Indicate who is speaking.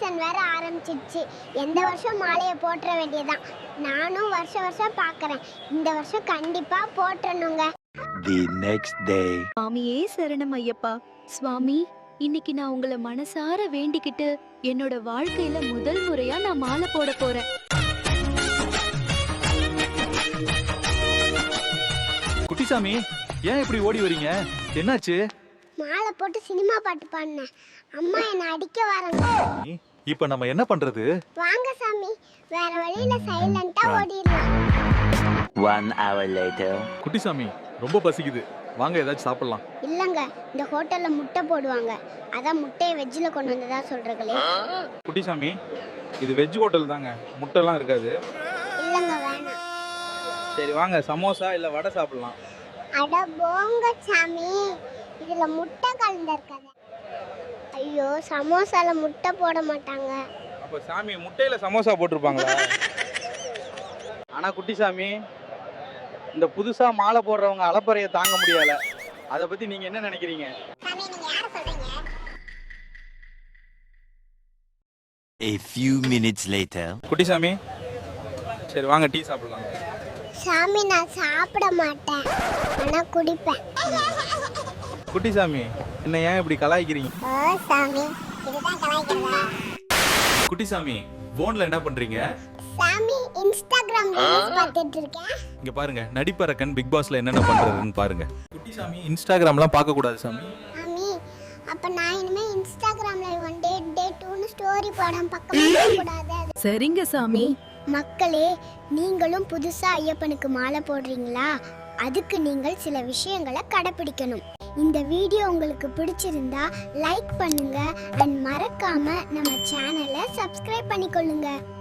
Speaker 1: Season வேற ஆரம்பிச்சிடுச்சு. எந்த வருஷம் மாலையை போட்டுற வேண்டியதான். நானும் வருஷம் பார்க்கறேன். இந்த வருஷம் கண்டிப்பா போட்டுறணுங்க.
Speaker 2: The next day.
Speaker 3: சுவாமியே சரணம் ஐயப்பா. சுவாமி, இன்னைக்கு நான் உங்களை மனசார வேண்டிக்கிட்டு என்னோட வாழ்க்கையில முதல் முறையா நான் மாலை போட போறேன்.
Speaker 4: குட்டிசாமி, ஏன் இப்படி ஓடி வரீங்க? என்னாச்சு?
Speaker 1: மாலை போட்டு சினிமா பாட்டு பாடினேன். அம்மா என்னை அடிக்க வராங்க.
Speaker 4: இப்ப நம்ம என்ன பண்றது?
Speaker 1: வாங்க சாமி, வேற வழியில சைலண்டா ஓடிடலாம்.
Speaker 2: 1 hour later.
Speaker 4: குட்டிசாமி, ரொம்ப பசிக்குது. வாங்க ஏதாச்சும் சாப்பிடலாம்.
Speaker 1: இல்லங்க, இந்த ஹோட்டல்ல முட்டை போடுவாங்க. அதான் முட்டையை வெஜ்ஜில் கொண்டு வந்ததா சொல்றீங்களே.
Speaker 5: குட்டிசாமி, இது வெஜ் ஹோட்டல் தாங்க, முட்டைலாம் இருக்காது.
Speaker 1: இல்லங்க, வேணாம்.
Speaker 5: சரி வாங்க, சமோசா இல்லை வடை சாப்பிடலாம்.
Speaker 1: அட போங்க சாமி, இதுல முட்டை கலந்துருக்காது. ஐயோ, சமோசால முட்டை போட மாட்டாங்க.
Speaker 5: அப்போ சாமி முட்டையில் சமோசா போட்டிருப்பாங்களா? ஆனால் குட்டிசாமி, இந்த புதுசாக மாலை போடுறவங்க அலப்பறையை தாங்க முடியல. அதை பற்றி நீங்கள் என்ன நினைக்கிறீங்க?
Speaker 1: சாமி, நீங்க யாரை சொல்றீங்க?
Speaker 2: A few minutes later.
Speaker 5: Kuttisamy, சரி வாங்க டீ சாப்பிடலாம்.
Speaker 1: சாமி, நான் சாப்பிட மாட்டேன், ஆனா குடிப்பேன்.
Speaker 5: குட்டிசாமி, என்ன ஏன் இப்படி கலாய்க்கிறீங்க?
Speaker 1: ஓ சாமி, இதுதான் கலாய்க்கிறதா?
Speaker 4: குட்டிசாமி, போன்ல என்ன பண்றீங்க?
Speaker 1: சாமி, இன்ஸ்டாகிராம் ரீல்ஸ் பார்த்துட்டு இருக்கேன்.
Speaker 4: இங்க பாருங்க, நடிப்பரக்கன் பிக் பாஸ்ல என்னென்ன பண்றதுன்னு பாருங்க. குட்டிசாமி, இன்ஸ்டாகிராம்லாம் பார்க்க கூடாது சாமி.
Speaker 1: சாமி, அப்ப நான் இனிமே இன்ஸ்டாகிராம்ல ஒன் டே 2ன்னு ஸ்டோரி போடாம பக்கமே கூடாது.
Speaker 3: சரிங்க சாமி.
Speaker 1: மக்களே, நீங்களும் புதுசா ஐயப்பனுக்கு மாலை போடுறீங்களா? அதுக்கு நீங்கள் சில விஷயங்களை கடைபிடிக்கணும். இந்த வீடியோ உங்களுக்கு பிடிச்சிருந்தா லைக் பண்ணுங்க அண்ட் மறக்காம நம்ம சேனலை சப்ஸ்கிரைப் பண்ணிக்கொள்ளுங்க.